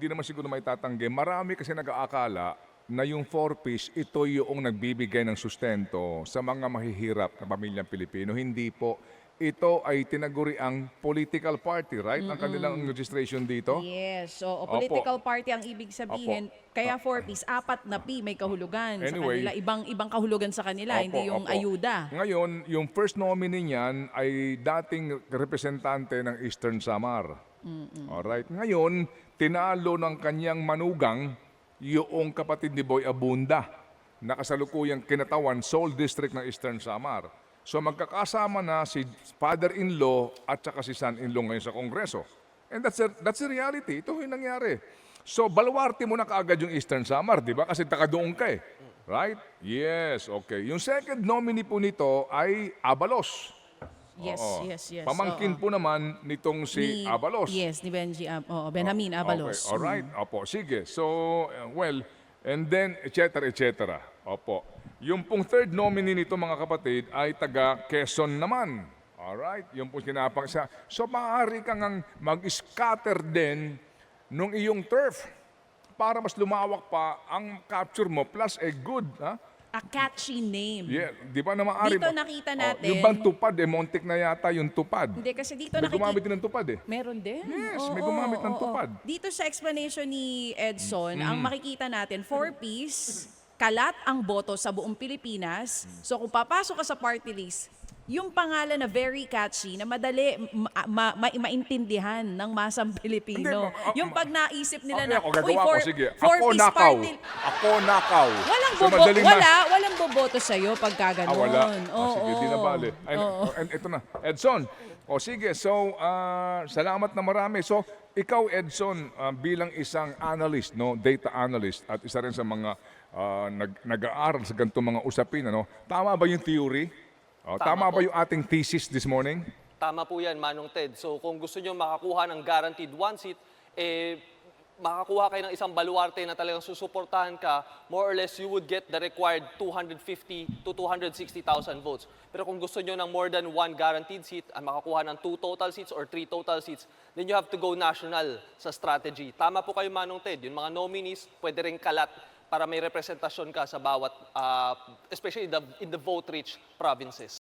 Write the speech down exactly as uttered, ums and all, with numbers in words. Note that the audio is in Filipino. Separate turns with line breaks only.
hindi naman siguro may tatanggi. Marami kasi nag-aakala na yung four-piece, ito yung nagbibigay ng sustento sa mga mahihirap na pamilyang Pilipino. Hindi po. Ito ay tinaguri ang political party, right? Ang kanilang registration dito.
Yes. So, o
Opo.
political party ang ibig sabihin.
Opo.
Kaya four-piece, apat na P may kahulugan sa
Anyway.
kanila. Ibang ibang kahulugan sa kanila,
Opo,
hindi yung
opo.
ayuda.
Ngayon, yung first nominee niyan ay dating representante ng Eastern Samar. Alright. Ngayon, tinalo ng kanyang manugang yung kapatid ni Boy Abunda na kasalukuyang kinatawan Seoul District ng Eastern Samar. So magkakasama na si father-in-law at saka si son-in-law ngayon sa Kongreso. And that's a, that's the reality. Ito yung nangyari. So baluarte mo na kaagad yung Eastern Samar, di ba? Kasi takadoon ka eh. Right? Yes, okay. Yung second nominee po nito ay Abalos.
Yes,
Oo.
yes, yes.
Pamangkin
Oo.
po naman nitong si
Ni-
Abalos.
Yes, ni Benji, Ab- oo, Benjamin Abalos.
Okay, alright. Opo, sige. So, uh, well, and then, et cetera, et cetera. Opo. Yung pong third nominee nito, mga kapatid, ay taga Quezon naman. Alright? Yung pong kinapang siya. So, maaari kang ang mag-scatter din nung iyong turf para mas lumawak pa ang capture mo plus a good, ha?
A catchy name.
Yeah, di ba na maaari?
Dito
mo-
nakita
Oh,
natin-
yung bang tupad, eh, montik na yata yung tupad.
Hindi, kasi dito
May gumamit
nakikita...
din ng tupad eh.
Meron din.
Yes,
Oo,
may gumamit ng
oo,
tupad.
oo. Dito sa explanation ni Edson, ang makikita natin, four-piece, kalat ang boto sa buong Pilipinas. So kung papasok ka sa party list, yung pangalan na very catchy, na madali ma- ma- ma- maintindihan ng masang Pilipino.
Hindi, ma- ah,
yung pag naisip nila
Okay,
na,
ako
uy,
gagawa
four,
ko, sige. Ako
four-piece
nakaw.
party.
Ako nakaw.
Walang
So,
bobo,
madaling na-
wala, walang boboto sa'yo pagka
Ah,
ganun.
wala.
Oo,
Oh, sige, di na bale. Ay,
oo.
and ito na. Edson. O sige, so ah, salamat na marami. So ikaw Edson ah, bilang isang analyst, no, data analyst at isa rin sa mga ah, nag nag-aaral sa ganitong mga usapin, ano? Tama ba yung theory? O, tama
Tama
ba
po.
yung ating thesis this morning?
Tama po yan, Manong Ted. So kung gusto nyo makakuha ng guaranteed one seat, eh, makakuha kayo ng isang baluarte na talagang susuportahan ka, more or less you would get the required two hundred fifty to two hundred sixty thousand votes. Pero kung gusto nyo ng more than one guaranteed seat, at makakuha ng two total seats or three total seats, then you have to go national sa strategy. Tama po kayo, Manong Ted. Yung mga nominees, pwede rin kalat para may representasyon ka sa bawat, uh, especially the, in the vote-rich provinces.